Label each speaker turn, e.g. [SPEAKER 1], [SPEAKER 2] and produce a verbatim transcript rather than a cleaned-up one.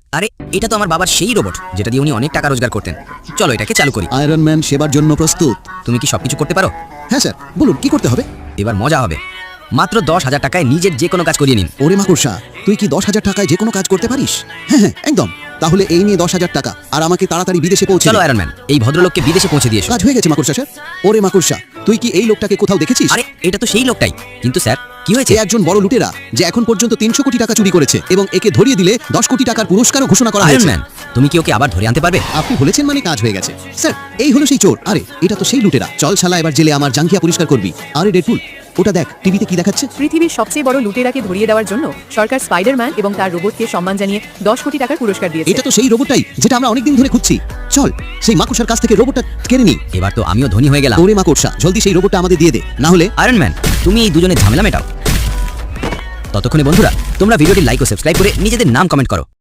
[SPEAKER 1] আরে এটা তো আমার বাবার সেই রোবট যেটা দিয়ে উনি অনেক টাকা রোজগার করতেন। চলো এটাকে চালু করি।
[SPEAKER 2] আয়রন ম্যান সেবার জন্য প্রস্তুত।
[SPEAKER 1] তুমি কি সবকিছু করতে পারো?
[SPEAKER 2] হ্যাঁ স্যার, বলুন কি করতে হবে।
[SPEAKER 1] এবার মজা হবে। মাত্র দশ হাজার টাকায় নিজের যে কোনো কাজ করিয়ে নিন।
[SPEAKER 2] ওরে মাকড়সা, তুই কি দশ হাজার টাকায় যে কোনো কাজ করতে পারিস? হ্যাঁ হ্যাঁ একদম। তাহলে এই নিয়ে দশ হাজার টাকা আর আমাকে তাড়াতাড়ি বিদেশে পৌঁছে
[SPEAKER 1] চলো
[SPEAKER 2] দে।
[SPEAKER 1] আয়রন ম্যান, এই ভদ্রলোককে বিদেশে পৌঁছে দিয়ে এসো।
[SPEAKER 2] কাজ হয়ে গেছে মাকড়সা স্যার। ওরে মাকড়সা, তুই কি এই লোকটাকে কোথাও দেখেছিস?
[SPEAKER 1] আরে এটা তো সেই লোকটাই, কিন্তু স্যার কি হয়েছে?
[SPEAKER 2] এ একজন বড় লুটেরা যে এখন পর্যন্ত তিনশো কোটি টাকা চুরি করেছে এবং একে ধরিয়ে দিলে দশ কোটি টাকার পুরস্কারও ঘোষণা করা
[SPEAKER 1] আয়রন
[SPEAKER 2] হয়েছে।
[SPEAKER 1] ম্যান, তুমি কি ওকে আবার ধরে আনতে পারবে?
[SPEAKER 2] আপনি বলেছেন মানে কাজ হয়ে গেছে স্যার। এই হলো সেই চোর। আরে এটা তো সেই লুটেরা। চল শালা, এবার জেলে আমার জাঙ্গিয়া পরিষ্কার করবি। আরে ডেডপুল, ওটা দেখ টিভিতে কি দেখাচ্ছে।
[SPEAKER 3] পৃথিবীর সবচেয়ে বড় লুটেরাকে ধরিয়ে দেওয়ার জন্য সরকার স্পাইডারম্যান এবং তার রোবটকে সম্মান জানিয়ে দশ কোটি টাকার পুরস্কার দিয়েছে।
[SPEAKER 2] এটা তো সেই রোবটটাই যেটা আমরা অনেকদিন ধরে খুঁজছি। চল সেই মাকড়সার কাছ থেকে রোবটটা কেড়ে নি।
[SPEAKER 1] এবার তো আমিও ধনী হয়ে গেলাম।
[SPEAKER 2] ওরে মাকড়সা, জলদি সেই রোবটটা আমাদের দিয়ে দে, না হলে।
[SPEAKER 1] আয়রন ম্যান, তুমি এই দুজনের ঝামেলা মেটাও। ততক্ষণে বন্ধুরা, তোমরা ভিডিওটি লাইক ও সাবস্ক্রাইব করে নিজেদের নাম কমেন্ট করো।